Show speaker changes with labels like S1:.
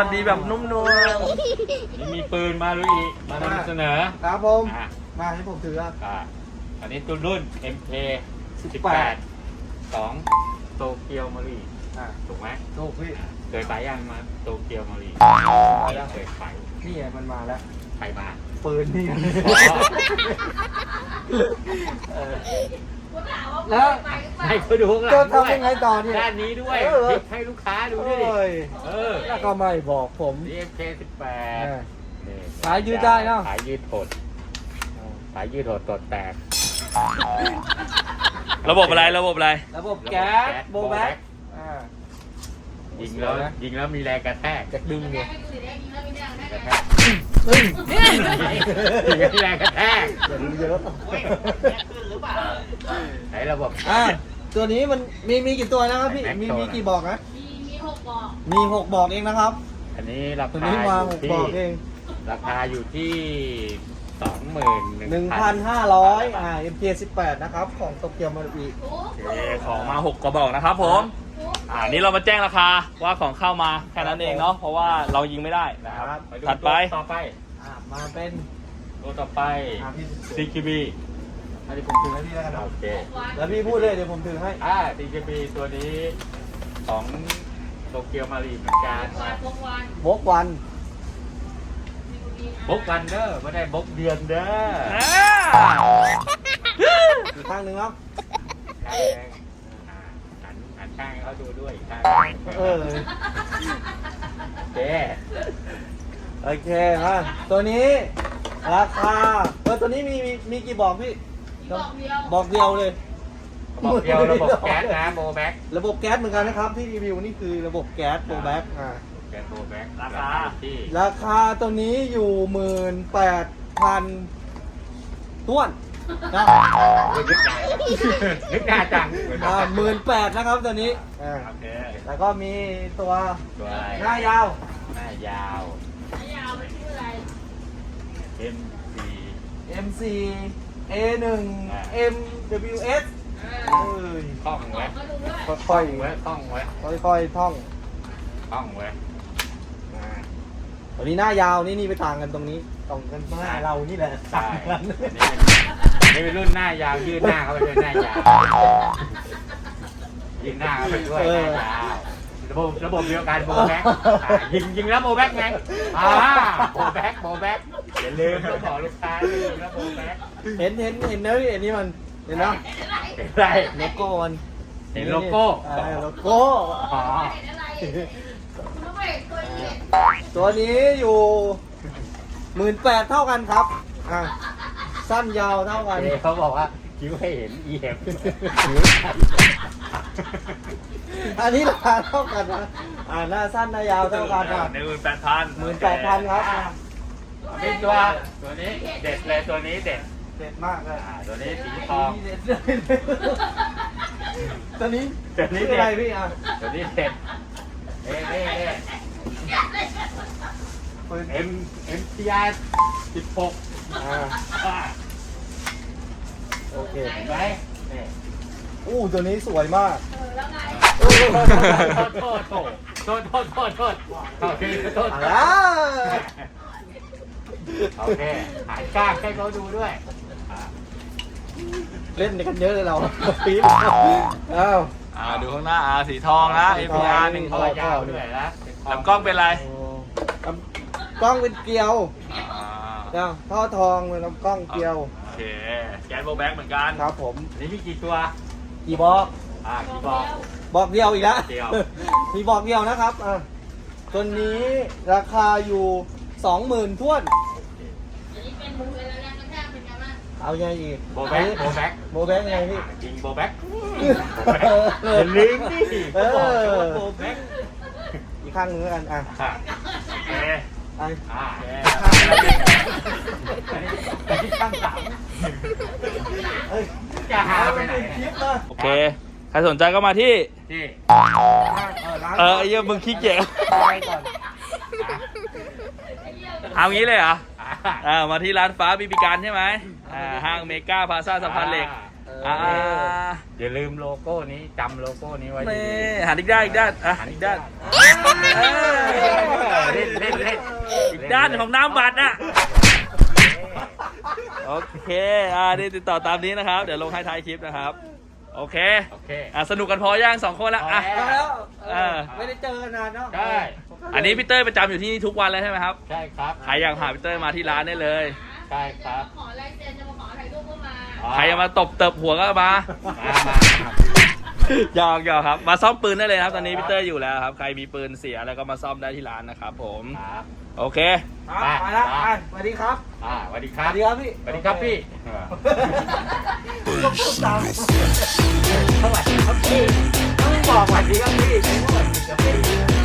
S1: ดีแบบนุ่มนวล
S2: นี่มีปืนมาลุยมานำเสนอ
S3: ครับผม
S2: อ่ะ
S3: มาให้ผมถือครับ
S2: อันนี้ตัวรุ่น MK 18 2โตเกียวมารีถูกไหม
S3: ถูกพี่
S2: เคยไปยังมาโตเกียวมารี
S3: มาแล้ว
S2: เคยไป
S3: นี่ไงมันมาแล้ว
S2: ไปมา
S3: ปืนนี่
S2: อ๋อ
S3: แล้ว
S2: ให้เขาดูข้างหลัง
S3: จะ
S2: ด้วย
S3: ทำยังไงต่อเนี่ย
S2: ด้านนี้ด้วย
S3: เออ
S2: พลิกให้ลูกค้าดูด้วยดิ
S3: โอ้ย
S2: เออ
S3: แล้วก็ไม่บอกผม
S2: นี่ MK 18นี่
S3: สายยืดได้เนอะ
S2: สายยืดหดสายยืดหดตดแตก
S1: ระบบอะไรระบบอะไร
S3: ระบบแก๊สโบแบ็ก
S2: ยิงแล้วมีแรงกระแทก
S3: จะดึงเนี่ย
S2: กระแทก
S3: เฮ้ย
S2: ยิงแล้วมีแรงกระแทก
S3: อย่าดึงเยอะ
S2: ไหนระบบ
S3: ตัวนี้มันมีกี่ตัวนะครับพี่ มีกี่บอกนะ
S4: มี6บอก
S3: มี6บอกเองนะครับ
S2: อันนี้รา
S3: ตัว
S2: คา
S3: นี้มา
S2: อยู่
S3: 6
S2: ที่
S3: บอกเอง
S2: ราคาอยู่ที่
S3: 1,500 MK18 นะครับของโตเกียวมารุอิ
S4: ถูก
S1: โอเคของมา6กระบอกนะครับผม นี่เรามาแจ้งราคาว่าของเข้ามาแค่นั้นเองเนาะเพราะว่าเรายิงไม่ได้นะครับ
S2: ดู
S1: ถัดไป
S2: ตัวต่อไป
S3: มาเป็น
S2: ตัวต่อไป
S3: พี่
S2: CKB
S3: อันนี้ผมถือให้พี่แล้วกันนะ
S2: โอเค
S3: แล้วพี่พูดเลยเดี๋ยวผมถือให้
S2: CKB ตัวนี้ของโตเกียวมารีเหมือนกัน
S4: พกวัน
S3: บกวัน
S2: บกวันเด้อไม่ได้บกเดือนเด้อ
S3: อีกข้างหนึ่งครับ
S2: หันข้างให้เขาดูด้วยอีกข้าง
S3: เออ
S2: เจ๊
S3: โอเคมาตัวนี้ราคาตัวนี้มีกี่บอกพี่
S4: บอกเดียว
S3: บอกเดียวเลย
S2: บอกเดียวระบบแก๊สนะโบแบ็ก
S3: ระบบแก๊สเหมือนกันนะครับที่รีวิวนี่คือระบบแก๊สโบแบ็ก
S2: แก๊สโบแบ็ก
S1: ราคา
S2: ที่
S3: ราคาตัวนี้อยู่ 18,000ท้วนนะ
S2: นึกหน้าจัง
S3: 18,000นะครับตัวนี้
S2: โอเค
S3: แล้วก็มีตัว
S2: ตัวอะไร
S3: หน้ายาว
S2: หน้ายาว
S4: ยาวเป็นชื่ออะไร
S2: MC
S3: MC A1 MWS เอ้ย
S2: คล่องไว้
S4: ก็ดูด้วย
S3: ค่อย
S2: ไว้คล่องไว้
S3: ๆค่อยๆท่อง
S2: คล่องไว้
S3: ตัวนี้หน้ายาวนี่ไปต่างกันตรงนี้ตรงกันหน้าเรานี่แหละ
S2: ใช่
S3: ต่างกัน
S2: นี่เป็นรุ่นหน้ายาวยืดหน้าเข้าไปด้วยหน้ายาวยืดหน้าเข้าไปด้วยหน้ายาวระบบเดียวกันโบแบ็กยิงแล้วโบแบ็กไงโบแบ็กอย่าลืมต้องบอกลูกค้ายิงแล้วโบแบ็ก
S3: เห็นนะพี่เห็นนี่มันเห็นนะ
S2: เห็นอะไร
S3: โลโก้มัน
S2: เห็นโลโก้
S3: โลโก้
S2: อ๋อ
S4: เห็นอะไรน้องเอกตัวนี้
S3: ตัวนี้อยู่18,000เท่ากันครับสั้นยาวเท่ากัน
S2: เขาบอกว่าคิ้วให้เห็น EF
S3: อันนี้ราคาเท่ากันนะหน้าสั้นหน้ายาวเท่ากันอ่ะ
S1: 18,000
S3: ครับ
S2: เป็นตัวนี้เด็ดเลยตัวนี้เด็ด
S3: เด็ดมากเลย
S2: ตัวนี้สีทอง
S3: เด็ดเลยตัวนี้
S2: ตัวนี้
S3: คือ
S2: เด็
S3: อะไร
S2: ด
S3: พี่
S2: ตัวนี้เด็ดเอ้MTR 16
S3: โอเค
S2: เห็นไหมนี่
S3: ตัวนี้สวยมาก
S4: แล้วไง
S2: โทษโอเคโทษ โอเคหายกล้างให้เขาดูด้วย
S3: เล่นกันเยอะเลยเราปี๊บ
S1: ดูข้างหน้าสีทองนะ APR 1
S2: เขายาวด้วยนะ
S1: ลำกล้องเป็นไร
S3: กล้องเป็นเกลียว
S1: อ่า
S3: ท่อทองเป็นลำกล้องเกลียว
S1: โอเคแก๊สโบแบ็กเหมือนกัน
S3: ครับผม
S2: นี่มีกี่ตัว
S3: กี่บอก
S2: กี่บอก
S3: บอกเดียวอีกแล้ว
S2: เดียว
S3: มีบอกเดียวนะครับตัวนี้ราคาอยู่ 20,000ท้วน
S4: อันนี้เป็นมือแล้วยังกระแทกเป็นไงบ้าง
S3: เอาไงอีก
S2: โบแบ็ก
S3: โบแบ็กไงพี่
S2: ยิงโบแบ็กอย่าลืมดิโบแบ็ก
S3: อีกข้างหนึงแล้วกัน
S1: โอเค
S2: ข้างสามจะหาไปไหน
S3: คลิปนะ
S1: โอเค ใครสนใจก็มาที่
S2: ที่
S1: ไอ้เหี้ยมึงขี้เกียจ
S3: ไปก่อน
S1: เอางี้เลยเหรอ มาที่ร้านฟ้าบีบีการใช่ไหมห้างเมกาพลาซ่าสะพานเหล็ก
S2: อย่าลืมโลโก้นี้จำโลโก้นี้ไว้ดี
S1: นี่หันอีกด้านอีกด้านหันอีกด้าน
S2: เล่นเล่นเล่น
S1: อีกด้านของน้ำบัตรอ่ะโอเคนี่ติดต่อตามนี้นะครับ เดี๋ยวลงให้ท้ายคลิปนะครับโอเค
S2: โอเค
S1: สนุกกันพอย่างสองคนแล้วอ่ะ
S3: มาแล้ว
S1: ไม่
S3: ไม่ได้เจอกันนานเนาะ
S2: ใช่
S1: อันนี้พี่เต้ยประจำอยู่ที่นี่ทุกวันเลยใช่ไหมครับ
S2: ใช่ครับ
S1: ใครอยากหาพี่เต้ยมาที่ร้านได้เลย
S2: ใช่ครับ
S4: ขอลายเซ็นจะมาขอถ่ายรูปก็มา
S1: ใครจะมาตบเติบหัวก็มา
S2: มา
S1: หยอกครับมาซ่อมปืนได้เลยครับตอนนี้พี่เต้ยอยู่แล้วครับใครมีปืนเสียแล้วก็มาซ่อมได้ที่ร้านนะครับผม
S2: ครับ
S1: โอเค
S3: ไปแล้วสวัสดีครับ
S2: สวัสดีค
S3: ส
S2: รับ
S3: วัสดีครับพี่
S2: สวัสดีครับพี่
S3: ต้องพูดตามสวัสดีครับพี่ต้องบอกสวัสดีครับพี่ไม่ใช่สวัสดีครับพี่